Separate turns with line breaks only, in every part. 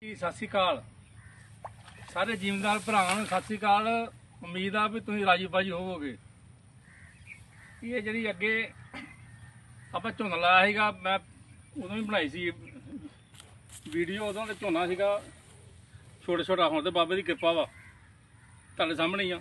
ਸਤਿ ਸ਼੍ਰੀ ਅਕਾਲ ਸਾਰੇ ਜ਼ਿਮੀਂਦਾਰ ਭਰਾਵਾਂ ਨੂੰ ਸਤਿ ਸ਼੍ਰੀ ਅਕਾਲ। ਉਮੀਦ ਆ ਵੀ ਤੁਸੀਂ ਰਾਜੀ ਬਾਜੀ ਹੋਵੋਗੇ। ਇਹ ਜਿਹੜੀ ਅੱਗੇ ਆਪਾਂ ਝੋਨਾ ਲਾਇਆ ਸੀਗਾ, ਮੈਂ ਉਦੋਂ ਵੀ ਬਣਾਈ ਸੀ ਵੀਡੀਓ। ਉਦੋਂ ਤੇ ਝੋਨਾ ਸੀਗਾ ਛੋਟਾ ਛੋਟਾ, ਹੁਣ ਤੇ ਬਾਬੇ ਦੀ ਕਿਰਪਾ ਵਾ ਤੁਹਾਡੇ ਸਾਹਮਣੇ ਹੀ ਆ।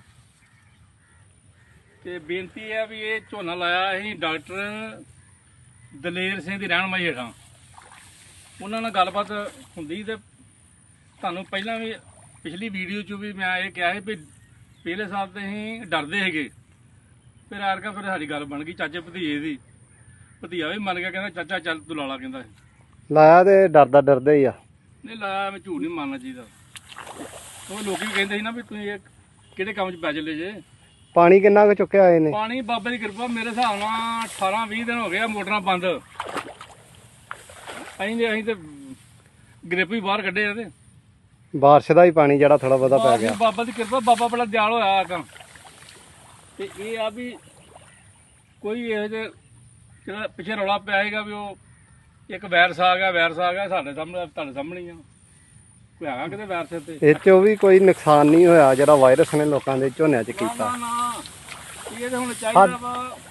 ਤੇ ਬੇਨਤੀ ਹੈ ਵੀ ਇਹ ਝੋਨਾ ਲਾਇਆ ਅਸੀਂ ਡਾਕਟਰ ਦਲੇਰ ਸਿੰਘ ਦੀ ਰਹਿਨਮਾਈ ਹੇਠਾਂ। ਉਹਨਾਂ ਨਾਲ ਗੱਲਬਾਤ ਹੁੰਦੀ ਤੇ ਤੁਹਾਨੂੰ ਪਹਿਲਾਂ ਵੀ ਪਿਛਲੀ ਵੀਡੀਓ 'ਚ ਵੀ ਮੈਂ ਇਹ ਕਿਹਾ ਸੀ ਵੀ ਪਹਿਲੇ ਸਾਲ ਤੇ ਅਸੀਂ ਡਰਦੇ ਸੀਗੇ, ਫਿਰ ਆਰਕਾ ਫਿਰ ਸਾਡੀ ਗੱਲ ਬਣ ਗਈ ਚਾਚੇ ਭਤੀਜੇ ਦੀ। ਭਤੀਆ ਵੀ ਮੰਨ ਗਿਆ, ਕਹਿੰਦਾ ਚਾਚਾ ਚੱਲ ਤੂੰ ਲਾ ਲਾ। ਕਹਿੰਦਾ
ਲਾਇਆ ਤੇ ਡਰਦੇ ਹੀ ਆ।
ਨਹੀਂ ਲਾਇਆ, ਮੈਂ ਝੂਠ ਨਹੀਂ ਮਾਰਨਾ ਚਾਹੀਦਾ। ਉਹ ਲੋਕੀ ਵੀ ਕਹਿੰਦੇ ਸੀ ਨਾ ਵੀ ਤੁਸੀਂ ਇਹ ਕਿਹੜੇ ਕੰਮ 'ਚ ਪੈ ਚੱਲੇ ਜੇ।
ਪਾਣੀ ਕਿੰਨਾ ਕੁ ਚੁੱਕਿਆ ਇਹਨੇ?
ਪਾਣੀ ਬਾਬੇ ਦੀ ਕਿਰਪਾ ਮੇਰੇ ਹਿਸਾਬ ਨਾਲ 18-20 ਦਿਨ ਹੋ ਗਏ ਆ ਮੋਟਰਾਂ ਬੰਦ। ਅਸੀਂ ਤੇ ਗ੍ਰਿਪ ਵੀ ਬਾਹਰ ਕੱਢੇ ਆ ਤੇ
ਬਾਰਿਸ਼ ਦਾ ਹੀ ਪਾਣੀ ਜਿਹੜਾ ਥੋੜਾ ਬਹੁਤਾ ਪੈ ਗਿਆ।
ਬਾਬਾ ਦੀ ਕਿਰਪਾ, ਬਾਬਾ ਬੜਾ ਦਿਆਲ ਹੋਇਆ ਕੰਮ। ਤੇ ਇਹ ਆ ਵੀ ਕੋਈ ਇਹ ਜਿਹੇ ਜਿਹੜਾ ਪਿੱਛੇ ਰੌਲਾ ਪਿਆ ਸੀਗਾ ਵੀ ਉਹ ਇੱਕ ਵਾਇਰਸ ਆ ਗਿਆ ਸਾਡੇ ਸਾਹਮਣੇ ਤੁਹਾਡੇ ਸਾਹਮਣੇ ਹੀ ਆ। ਕੋਈ ਹੈਗਾ ਕਿਤੇ ਵਾਇਰਸ ਤੇ?
ਇਹ ਚੋਂ ਵੀ ਕੋਈ ਨੁਕਸਾਨ ਨਹੀਂ ਹੋਇਆ ਜਿਹੜਾ ਵਾਇਰਸ ਨੇ ਲੋਕਾਂ ਦੇ ਝੋਨਿਆਂ 'ਚ ਕੀਤਾ।
ਨਾ ਇਹ ਤਾਂ ਹੁਣ ਚਾਹੀਦਾ ਵਾ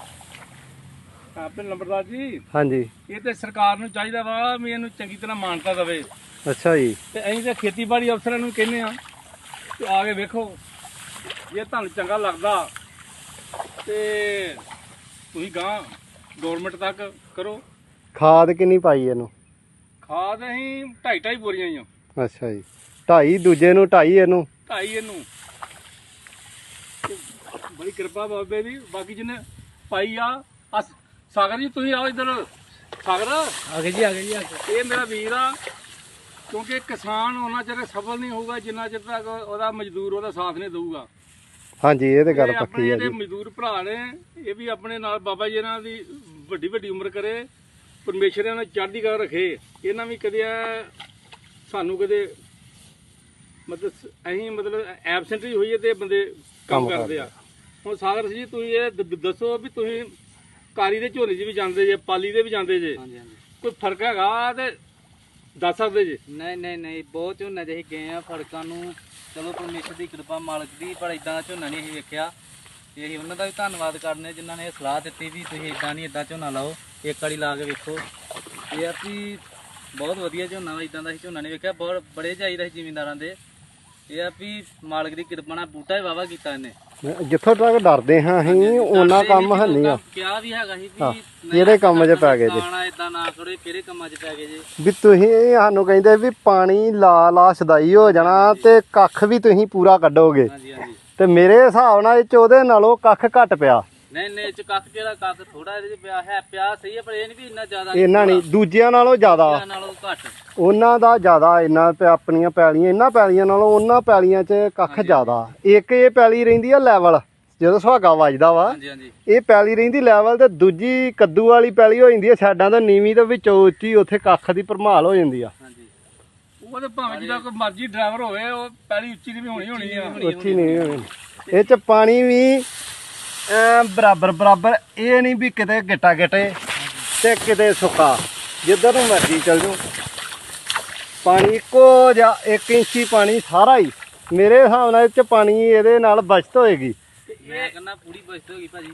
ਆਪਣੇ ਨੰਬਰਦਾਰ ਜੀ।
ਹਾਂਜੀ,
ਇਹ ਤੇ ਸਰਕਾਰ ਨੂੰ ਚਾਹੀਦਾ ਵਾ ਵੀ ਇਹਨੂੰ ਚੰਗੀ ਤਰ੍ਹਾਂ ਮਾਨਤਾ ਦੇਵੇ।
ਅੱਛਾ ਜੀ।
ਤੇ ਅਸੀਂ ਤਾਂ ਖੇਤੀਬਾੜੀ ਅਫਸਰਾਂ ਨੂੰ ਕਹਿੰਦੇ ਆ ਕਿ ਆ ਕੇ ਵੇਖੋ, ਜੇ ਤੁਹਾਨੂੰ ਚੰਗਾ ਲੱਗਦਾ ਤੇ ਤੁਸੀਂ ਗਾਂ ਗਵਰਨਮੈਂਟ ਤੱਕ ਕਰੋ।
ਖਾਦ ਕਿੰਨੀ ਪਾਈ ਇਹਨੂੰ?
ਖਾਦ ਅਸੀਂ 2.5 ਬੋਰੀਆਂ ਹੀ ਆ।
ਅੱਛਾ ਜੀ, 2.5 ਦੂਜੇ ਨੂੰ 2.5 ਇਹਨੂੰ
2.5 ਇਹਨੂੰ। ਬੜੀ ਕਿਰਪਾ ਬਾਬੇ ਦੀ। ਬਾਕੀ ਜਿਹਨੇ ਪਾਈ ਆ ਸਾਗਰ ਜੀ, ਤੁਸੀਂ ਆਓ ਇੱਧਰ। ਸਾਗਰ ਆ ਗਏ ਜੀ, ਆ ਗਏ ਜੀ। ਇਹ ਮੇਰਾ ਵੀਰ ਆ, ਕਿਉਂਕਿ ਕਿਸਾਨ ਉਹਨਾਂ ਚਿਰ ਸਫਲ ਨਹੀਂ ਹੋਊਗਾ ਜਿੰਨਾ ਚਿਰ ਤੱਕ ਉਹਦਾ ਮਜ਼ਦੂਰ ਉਹਦਾ ਸਾਥ ਨਹੀਂ ਦੇਊਗਾ।
ਹਾਂਜੀ, ਇਹ ਤੇ ਗੱਲ ਪੱਕੀ ਹੈ
ਜੀ।
ਜੀ।
ਮਜ਼ਦੂਰ ਭਰਾ ਨੇ, ਇਹ ਵੀ ਆਪਣੇ ਨਾਲ ਬਾਬਾ ਜੀ ਇਹਨਾਂ ਦੀ ਵੱਡੀ ਵੱਡੀ ਉਮਰ ਕਰੇ, ਪਰਮੇਸ਼ਰ ਇਹਨਾਂ ਨੂੰ ਚੜ੍ਹਦੀ ਕਲਾ ਰੱਖੇ। ਇਹਨਾਂ ਵੀ ਕਦੇ ਸਾਨੂੰ ਕਦੇ ਮਤਲਬ ਐਬਸੈਂਟ ਹੀ ਹੋਈਏ ਤੇ ਬੰਦੇ ਕੰਮ ਕਰਦੇ ਆ। ਹੁਣ ਸਾਗਰ ਜੀ, ਤੁਸੀਂ ਇਹ ਦੱਸੋ ਵੀ ਤੁਸੀਂ ਕਾਰੀ ਦੇ ਝੋਨੇ 'ਚ ਵੀ ਜਾਂਦੇ ਜੇ, ਪਾਲੀ ਦੇ ਵੀ ਜਾਂਦੇ ਜੇ, ਕੋਈ ਫਰਕ ਹੈਗਾ ਤੇ ਦੱਸ ਸਕਦੇ ਜੇ?
ਨਹੀਂ ਬਹੁਤ ਝੋਨਾ ਜਿਹੇ ਗਏ ਆ ਫਰਕਾਂ ਨੂੰ। ਚਲੋ ਪਰਮੇਸ਼ਰ ਦੀ ਕਿਰਪਾ, ਮਾਲਕ ਦੀ, ਪਰ ਇਦਾਂ ਦਾ ਝੋਨਾ ਨਹੀਂ ਅਸੀਂ ਵੇਖਿਆ। ਤੇ ਅਸੀਂ ਉਹਨਾਂ ਦਾ ਵੀ ਧੰਨਵਾਦ ਕਰਨੇ ਜਿਨ੍ਹਾਂ ਨੇ ਸਲਾਹ ਦਿੱਤੀ ਵੀ ਤੁਸੀਂ ਇਦਾਂ ਨਹੀਂ ਇਦਾਂ ਝੋਨਾ ਲਾਓ, ਇੱਕ ਵਾਰੀ ਲਾ ਕੇ ਵੇਖੋ। ਇਹ ਆ ਵੀ ਬਹੁਤ ਵਧੀਆ ਝੋਨਾ ਵਾ, ਇਦਾਂ ਦਾ ਅਸੀਂ ਝੋਨਾ ਨਹੀਂ ਵੇਖਿਆ। ਬਹੁਤ ਬੜੇ ਚਾਹੀਦਾ ਸੀ ਜ਼ਿਮੀਂਦਾਰਾਂ ਦੇ। ਇਹ ਆ ਵੀ ਮਾਲਕ ਦੀ ਕਿਰਪਾ ਨਾਲ ਬੂਟਾ ਹੀ ਵਾਵਾ ਕੀਤਾ ਇਹਨੇ।
ਜਿੱਥੋਂ ਤੱਕ ਡਰਦੇ ਹਾਂ ਅਸੀਂ ਉਹਨਾਂ ਕੰਮ ਹੈ ਨਹੀਂ ਆ।
ਕਿਹਾ ਵੀ ਹੈਗਾ ਸੀ ਵੀ
ਕਿਹੜੇ ਕੰਮ 'ਚ ਪੈ ਗਏ ਜੀ,
ਇਦਾਂ ਨਾ ਕਰੋ, ਕਿਹੜੇ ਕੰਮਾਂ 'ਚ ਪੈ ਗਏ ਜੀ
ਵੀ ਤੁਸੀਂ ਸਾਨੂੰ ਕਹਿੰਦੇ ਵੀ ਪਾਣੀ ਲਾ ਸਦਾਈ ਹੋ ਜਾਣਾ ਤੇ ਕੱਖ ਵੀ ਤੁਸੀਂ ਪੂਰਾ ਕੱਢੋਗੇ।
ਹਾਂਜੀ ਹਾਂਜੀ।
ਤੇ ਮੇਰੇ ਹਿਸਾਬ ਨਾਲ ਇਹ 'ਚ ਉਹਦੇ ਨਾਲੋਂ ਕੱਖ ਘੱਟ ਪਿਆ।
ਨਹੀਂ ਚ ਕੱਖ ਕਿਹੜਾ, ਕੱਖ ਥੋੜਾ ਇਹਦੇ 'ਚ ਪਿਆ ਹੈ, ਪਿਆ ਸਹੀ ਹੈ, ਪਰ ਇਹ ਨਹੀਂ ਵੀ ਇੰਨਾ ਜ਼ਿਆਦਾ।
ਇਹਨਾਂ ਨਹੀਂ, ਦੂਜਿਆਂ ਨਾਲੋਂ ਜ਼ਿਆਦਾ,
ਨਾਲੋਂ ਘੱਟ
ਉਹਨਾਂ ਦਾ ਜ਼ਿਆਦਾ। ਇੰਨਾ ਆਪਣੀਆਂ ਪੈਲੀਆਂ, ਇਹਨਾਂ ਪੈਲੀਆਂ ਨਾਲੋਂ ਉਹਨਾਂ ਪੈਲੀਆਂ 'ਚ ਕੱਖ ਜ਼ਿਆਦਾ। ਇੱਕ ਇਹ ਪੈਲੀ ਰਹਿੰਦੀ ਆ ਲੈਵਲ, ਜਦੋਂ ਸੁਹਾਗਾ ਵੱਜਦਾ ਵਾ
ਹਾਂਜੀ ਹਾਂਜੀ,
ਇਹ ਪੈਲੀ ਰਹਿੰਦੀ ਲੈਵਲ, ਤੇ ਦੂਜੀ ਕੱਦੂ ਵਾਲੀ ਪੈਲੀ ਹੋ ਜਾਂਦੀ ਹੈ ਸਾਈਡਾਂ ਤੋਂ ਨੀਵੀਂ, ਤੇ ਵਿੱਚੋਂ ਉੱਚੀ, ਉੱਥੇ ਕੱਖ ਦੀ ਭਰਮਾਲ ਹੋ ਜਾਂਦੀ ਆ।
ਹਾਂਜੀ।
ਉਹ ਤੇ ਭਾਵੇਂ ਜਿਹਦਾ ਕੋਈ ਮਰਜ਼ੀ ਡਰਾਈਵਰ ਹੋਵੇ, ਉਹ ਪਹਿਲੀ ਉੱਚੀ ਦੀ ਵੀ ਹੋਣੀ ਆ।
ਉੱਚੀ ਨਹੀਂ ਹੋਣੀ। ਇਹ 'ਚ ਪਾਣੀ ਵੀ ਬਰਾਬਰ, ਇਹ ਨਹੀਂ ਵੀ ਕਿਤੇ ਗਿੱਟਾ ਗਿੱਟੇ ਤੇ ਕਿਤੇ ਸੁੱਕਾ, ਜਿੱਧਰ ਨੂੰ ਮਰਜ਼ੀ ਚੱਲ ਜਾਓ ਪਾਣੀ ਇੱਕੋ ਜਾਂ 1 ਇੰਚੀ ਪਾਣੀ ਸਾਰਾ ਹੀ। ਮੇਰੇ ਹਿਸਾਬ ਨਾਲ ਇਹ 'ਚ ਪਾਣੀ ਇਹਦੇ ਨਾਲ ਬਚਤ ਹੋਏਗੀ।
ਮੈਂ ਕਹਿੰਦਾ ਪੂਰੀ ਬਚਤ ਹੋ ਗਈ ਭਾਜੀ।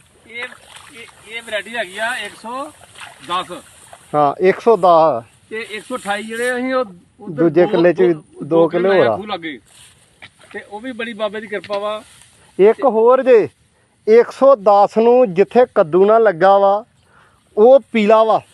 ਇਹ ਵੈਰਾਈਟੀ ਹੈਗੀ ਆ 110।
ਹਾਂ, 110
ਤੇ 128 ਜਿਹੜੇ ਅਸੀਂ ਉਹ
ਦੂਜੇ ਕਿੱਲੇ 'ਚ ਵੀ 2 ਕਿੱਲੇ ਹੋਰ ਆ
ਲੱਗੇ। ਤੇ ਉਹ ਵੀ ਬੜੀ ਬਾਬੇ ਦੀ ਕਿਰਪਾ ਵਾ।
ਇੱਕ ਹੋਰ ਜੇ, 110 ਨੂੰ ਜਿੱਥੇ ਕੱਦੂ ਨਾ ਲੱਗਾ ਵਾ ਉਹ ਪੀਲਾ ਵਾ,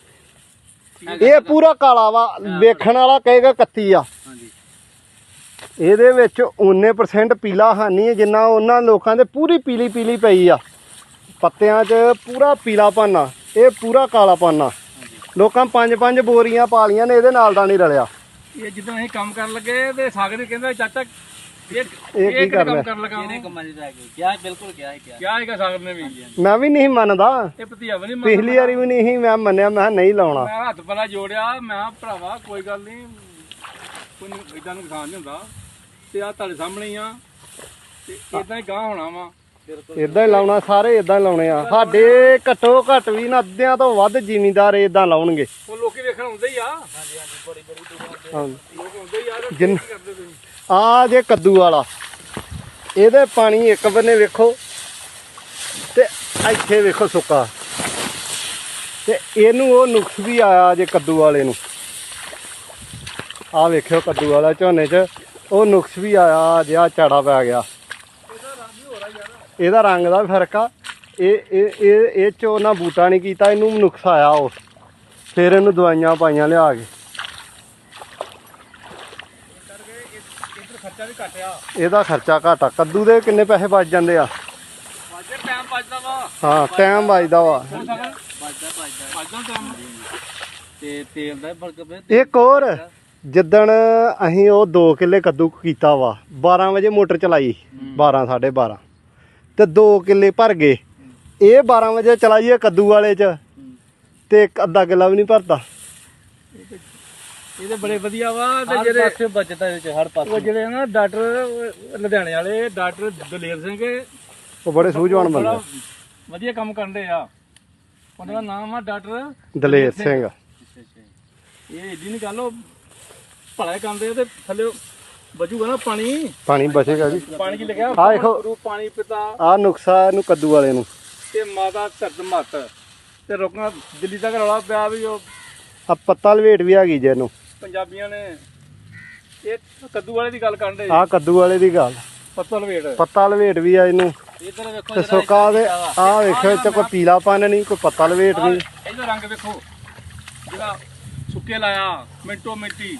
ਇਹ ਪੂਰਾ ਕਾਲਾ ਵਾ। ਵੇਖਣ ਵਾਲਾ ਕਹੇਗਾ 31 ਆ।
ਹਾਂਜੀ।
ਇਹਦੇ ਵਿੱਚ 19% ਪੀਲਾ ਹਾਨੀ ਹੈ, ਜਿੰਨਾ ਉਹਨਾਂ ਲੋਕਾਂ ਦੇ ਪੂਰੀ ਪੀਲੀ ਪਈ ਆ ਪੱਤਿਆਂ 'ਚ, ਪੂਰਾ ਪੀਲਾ ਪਾਨਾ। ਇਹ ਪੂਰਾ ਕਾਲਾ ਪਾਨਾ। ਲੋਕਾਂ 5 ਬੋਰੀਆਂ ਪਾ ਲੀਆਂ ਨੇ, ਇਹਦੇ ਨਾਲ ਦਾ ਨਹੀਂ ਰਲਿਆ।
ਇਹ ਜਦੋਂ ਅਸੀਂ ਕੰਮ ਕਰਨ ਲੱਗੇ ਤੇ ਸਾਗਰ ਕਹਿੰਦਾ ਚਾਚਾ
ਇਹ ਕੀ ਕਰ ਲਿਆ?
ਕਰਨ ਲੱਗਾ
ਇਹਨੇ ਕੰਮਾਂ 'ਚ ਪੈ ਗਏ। ਕਿਹਾ ਬਿਲਕੁਲ ਕਿਹਾ
ਹੈਗਾ ਸਾਗਰ ਨੇ ਵੀ।
ਮੈਂ ਵੀ ਨਹੀਂ ਮੰਨਦਾ,
ਇਹ ਭਤੀਆ ਵੀ ਨਹੀਂ
ਪਿਛਲੀ ਵਾਰੀ ਵੀ ਨਹੀਂ ਮੈਂ ਮੰਨਿਆ, ਮੈਂ ਨਹੀਂ ਲਾਉਣਾ।
ਮੈਂ ਹੱਥ ਪਲਾ ਜੋੜਿਆ, ਮੈਂ ਕਿਹਾ ਭਰਾਵਾ ਕੋਈ ਗੱਲ ਨਹੀਂ, ਕੋਈ ਇਦਾਂ ਨੁਕਸਾਨ ਨਹੀਂ ਹੁੰਦਾ। ਤੇ ਆ ਤੁਹਾਡੇ ਸਾਹਮਣੇ ਹੀ ਆ, ਤੇ ਇਦਾਂ ਹੀ ਗਾਂ ਹੋਣਾ ਵਾ।
ਬਿਲਕੁਲ
ਇਦਾਂ ਹੀ ਲਾਉਣਾ, ਸਾਰੇ ਇਦਾਂ ਹੀ ਲਾਉਣੇ ਆ। ਸਾਡੇ ਘੱਟੋ ਘੱਟ ਵੀ ਨਾ ਅੱਧਿਆਂ ਤੋਂ ਵੱਧ ਜ਼ਿਮੀਂਦਾਰ ਇਦਾਂ ਲਾਉਣਗੇ।
ਉਹ ਲੋਕੀ ਵੇਖਣ ਆਉਂਦੇ ਹੀ ਆ,
ਹਾਂਜੀ ਹਾਂਜੀ ਬੜੀ ਬੜੀ ਦੂਰੋਂ ਆਉਂਦੇ
ਹਾਂ
ਲੋਕ ਆਉਂਦੇ ਹੀ ਆ ਤੇ
ਜਿੰਨ-
ਕੀ ਕਰਦੇ ਤੁਸੀਂ?
ਆ ਜੇ ਕੱਦੂ ਵਾਲਾ, ਇਹਦੇ ਪਾਣੀ ਇੱਕ ਬੰਨੇ ਵੇਖੋ ਤੇ ਇੱਥੇ ਵੇਖੋ ਸੁੱਕਾ, ਤੇ ਇਹਨੂੰ ਉਹ ਨੁਕਸ ਵੀ ਆਇਆ ਜੇ ਕੱਦੂ ਵਾਲੇ ਨੂੰ। ਆ ਵੇਖਿਓ ਕੱਦੂ ਵਾਲਾ ਝੋਨੇ 'ਚ ਉਹ ਨੁਕਸ ਵੀ ਆਇਆ, ਜਿਹਾ ਝਾੜਾ ਪੈ ਗਿਆ। ਇਹਦਾ ਰੰਗ ਦਾ ਵੀ ਫਰਕ ਆ। ਇਹ 'ਚ ਉਹਨਾਂ ਬੂਟਾ ਨਹੀਂ ਕੀਤਾ, ਇਹਨੂੰ ਨੁਕਸ ਆਇਆ ਉਹ, ਫਿਰ ਇਹਨੂੰ ਦਵਾਈਆਂ ਪਾਈਆਂ ਲਿਆ ਕੇ।
ਇੱਧਰ ਖਰਚਾ ਵੀ ਘੱਟ ਆ,
ਇਹਦਾ ਖਰਚਾ ਘੱਟ ਆ। ਕੱਦੂ ਦੇ ਕਿੰਨੇ ਪੈਸੇ ਬਚ ਜਾਂਦੇ ਆ?
ਵਾਜੇ ਟਾਈਮ ਬਚਦਾ ਵਾ,
ਹਾਂ ਟਾਈਮ ਬਚਦਾ ਵਾ।
ਵੱਜਦਾ
ਬਚਦਾ ਟਾਈਮ।
ਤੇ ਤੇਲ ਦਾ ਵੀ ਫਰਕ ਪਿਆ।
ਇੱਕ ਹੋਰ, ਜਿੱਦਣ ਅਸੀਂ ਉਹ 2 ਕਿੱਲੇ ਕੱਦੂ ਕੀਤਾ ਵਾ, 12 ਵਜੇ ਮੋਟਰ ਚਲਾਈ, 12 12:30 ਤੇ 2 ਕਿੱਲੇ ਭਰ ਗਏ। ਇਹ 12 ਵਜੇ ਚਲਾਈਏ ਕੱਦੂ ਵਾਲੇ 'ਚ ਤੇ ਇੱਕ ਅੱਧਾ ਕਿੱਲਾ ਵੀ ਨਹੀਂ ਭਰਦਾ।
ਇਹਦੇ ਬੜੇ ਵਧੀਆ ਵਾ। ਤੇ
ਹਰ
ਜਿਹੜੇ
ਪਾਸੇ ਬਚਦਾ ਇਹਦੇ ਚ, ਹਰ
ਉਹ
ਪਾਸੇ।
ਜਿਹੜੇ ਨਾ ਡਾਕਟਰ ਲੁਧਿਆਣੇ ਵਾਲੇ ਡਾਕਟਰ ਦਲੇਰ ਸਿੰਘ,
ਉਹ ਬੜੇ ਸੂਝਵਾਨ ਬੰਦੇ
ਬੜਾ
ਆ।
ਵਧੀਆ ਕੰਮ ਕਰਦੇ ਆ। ਉਹਨਾਂ ਦਾ ਨਾਮ ਆ ਡਾਕਟਰ
ਦਲੇਰ ਸਿੰਘ।
ਇਹ ਏਡੀ ਨਹੀਂ ਗੱਲ, ਉਹ ਭਲਾ ਹੀ ਕਰਦੇ ਆ ਤੇ ਥੱਲੇ ਬਚੂਗਾ ਨਾ ਪਾਣੀ।
ਪਾਣੀ ਬਚੇਗਾ ਜੀ।
ਪਾਣੀ ਕੀ ਲਿਖਿਆ?
ਆਹ ਦੇਖੋ।
ਗੁਰੂ ਪਾਣੀ ਪਿਤਾ
ਆਹ ਨੁਕਸਾ ਇਹਨੂੰ ਕੱਦੂ ਵਾਲੇ ਨੂੰ।
ਤੇ ਮਾਤਾ ਧਰਤ ਮੱਤ ਤੇ ਰੋਕਣਾ। ਦਿੱਲੀ ਤੱਕ ਰੌਲਾ ਪਿਆ ਵੀ ਉਹ
ਆ ਪੱਤਾ ਲਵੇਟ ਵੀ ਹੈਗੀ ਜੇ ਇਹਨੂੰ।
ਪੰਜਾਬੀਆਂ ਨੇ ਇਹ ਕੱਦੂ ਵਾਲੇ ਦੀ ਗੱਲ ਕਰਨ ਦੇ।
ਆਹ ਕੱਦੂ ਵਾਲੇ ਦੀ ਗੱਲ,
ਪੱਤਲ ਵੇਟ
ਪੱਤਾ ਲਵੇਟ ਵੀ ਆ ਇਹਨੂੰ।
ਇੱਧਰ ਵੇਖੋ
ਤੇ
ਜਿਹੜਾ
ਸੁੱਕਾ ਦੇ ਆਹ ਵੇਖਿਓ, ਇੱਥੇ ਕੋਈ ਪੀਲਾਪਨ ਨਹੀਂ, ਕੋਈ ਪੱਤਾ ਲਵੇਟ ਨਹੀਂ।
ਇਹਦਾ ਰੰਗ ਵੇਖੋ, ਜਿਹੜਾ ਸੁੱਕੇ ਲਾਇਆ ਮਿੰਟੋ ਮਿੰਟੀ।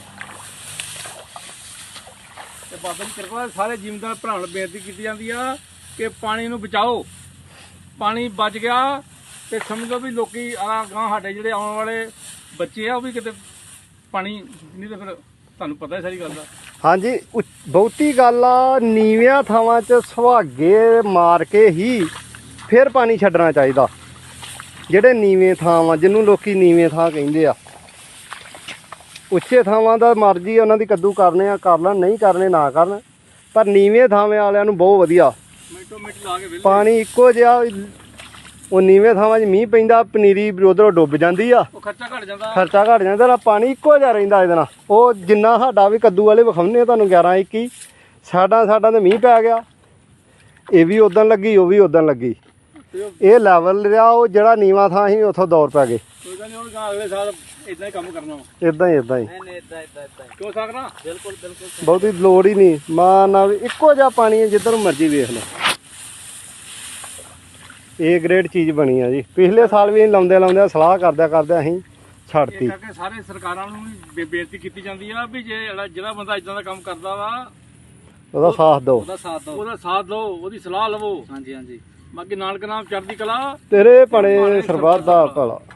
ਤੇ ਬਾਬਾ ਜੀ ਕਿਰਪਾ ਨਾਲ ਸਾਰੇ ਜ਼ਿਮੀਂਦਾਰ ਭਰਾਵਾਂ ਨੂੰ ਬੇਨਤੀ ਕੀਤੀ ਜਾਂਦੀ ਆ ਕਿ ਪਾਣੀ ਨੂੰ ਬਚਾਓ। ਪਾਣੀ ਬਚ ਗਿਆ ਤੇ ਸਮਝੋ ਵੀ ਲੋਕੀ ਆ ਗਾਂ ਸਾਡੇ ਜਿਹੜੇ ਆਉਣ ਵਾਲੇ ਬੱਚੇ ਆ ਉਹ ਵੀ ਕਿਤੇ ਪਾਣੀ ਨਹੀਂ, ਤੇ ਫਿਰ ਤੁਹਾਨੂੰ ਪਤਾ ਹੈ ਸਾਰੀ ਗੱਲ ਦਾ।
ਹਾਂਜੀ ਬਹੁਤੀ ਗੱਲ ਆ, ਨੀਵਿਆਂ ਥਾਵਾਂ 'ਚ ਸੁਹਾਗੇ ਮਾਰ ਕੇ ਹੀ ਫਿਰ ਪਾਣੀ ਛੱਡਣਾ ਚਾਹੀਦਾ। ਜਿਹੜੇ ਨੀਵੇਂ ਥਾਂ ਵਾ, ਜਿਹਨੂੰ ਲੋਕੀ ਨੀਵੇਂ ਥਾਂ ਕਹਿੰਦੇ ਆ, ਉੱਚੇ ਥਾਵਾਂ ਦਾ ਮਰਜ਼ੀ ਉਹਨਾਂ ਦੀ ਕੱਦੂ ਕਰਨੇ ਆ ਕਰ ਲੈਣ, ਨਹੀਂ ਕਰਨੇ ਨਾ ਕਰਨ, ਪਰ ਨੀਵੇਂ ਥਾਵੇਂ ਵਾਲਿਆਂ ਨੂੰ ਬਹੁਤ ਵਧੀਆ
ਮਿੰਟੋ ਮਿੰਟ ਲਾ ਕੇ ਵਿਹਲੇ।
ਪਾਣੀ ਇੱਕੋ ਜਿਹਾ। ਉਹ ਨੀਵੇਂ ਥਾਵਾਂ 'ਚ ਮੀਂਹ ਪੈਂਦਾ, ਪਨੀਰੀ ਉਧਰੋਂ ਡੁੱਬ ਜਾਂਦੀ ਆ,
ਉਹ ਖਰਚਾ ਘਟ ਜਾਂਦਾ।
ਖਰਚਾ ਘਟ ਜਾਂਦਾ, ਨਾ ਪਾਣੀ ਇੱਕੋ ਜਿਹਾ ਰਹਿੰਦਾ ਇਹਦੇ ਨਾਲ। ਉਹ ਜਿੰਨਾ ਸਾਡਾ ਵੀ ਕੱਦੂ ਵਾਲੇ ਵਿਖਾਉਂਦੇ ਆ ਤੁਹਾਨੂੰ 11-21, ਸਾਡਾ ਤੇ ਮੀਂਹ ਪੈ ਗਿਆ, ਇਹ ਵੀ ਉਦੋਂ ਲੱਗੀ, ਉਹ ਵੀ ਉਦੋਂ ਲੱਗੀ।
ਤੇ ਉਹ
ਇਹ ਲੈਵਲ ਰਿਹਾ, ਉਹ ਜਿਹੜਾ ਨੀਵਾਂ ਥਾਂ ਸੀ ਉੱਥੋਂ ਦੌਰ ਪੈ ਗਏ।
ਕੋਈ ਗੱਲ ਨਹੀਂ, ਉਹ ਗਾਂ ਅਗਲੇ ਸਾਲ ਇਦਾਂ ਹੀ ਕੰਮ ਕਰਨਾ।
ਇਦਾਂ ਹੀ
ਨਹੀਂ ਨਹੀਂ ਇਦਾਂ ਇਦਾਂ ਇਦਾਂ
ਕਿਉਂ ਸਕਣਾ?
ਬਿਲਕੁਲ ਬਿਲਕੁਲ
ਬਹੁਤੀ ਲੋੜ ਹੀ ਨਹੀਂ। ਮਾਂ ਨਾਲ ਇੱਕੋ ਜਿਹਾ ਪਾਣੀ ਹੈ, ਜਿੱਧਰ ਮਰਜ਼ੀ ਵੇਖ ਲਓ। ਇਹ ਗ੍ਰੇਡ ਚੀਜ਼ ਬਣੀ ਆ ਜੀ। ਪਿਛਲੇ ਸਾਲ ਵੀ ਲਾਉਂਦੇ ਸਲਾਹ ਕਰਦਿਆਂ ਅਸੀਂ
ਇਹ
ਛੱਡਤੀ।
ਕਰਕੇ ਸਾਰੇ ਸਰਕਾਰਾਂ ਨੂੰ ਵੀ ਬੇਨਤੀ ਕੀਤੀ ਜਾਂਦੀ ਆ ਵੀ ਜੇ ਜਿਹੜਾ ਬੰਦਾ ਇਦਾਂ ਦਾ ਕੰਮ ਕਰਦਾ ਵਾ
ਉਹਦਾ ਸਾਥ ਦਿਓ।
ਉਹਦਾ ਸਾਥ ਦਿਓ।
ਉਹਦਾ ਸਾਥ ਲਓ, ਉਹਦੀ ਸਲਾਹ ਲਵੋ।
ਹਾਂਜੀ ਹਾਂਜੀ
ਬਾਕੀ ਨਾਨਕ ਨਾਮ ਚੜ੍ਹਦੀ ਕਲਾ।
ਤੇਰੇ ਭਲੇ ਸਰਬੱਤ ਦਾ ਭਲਾ।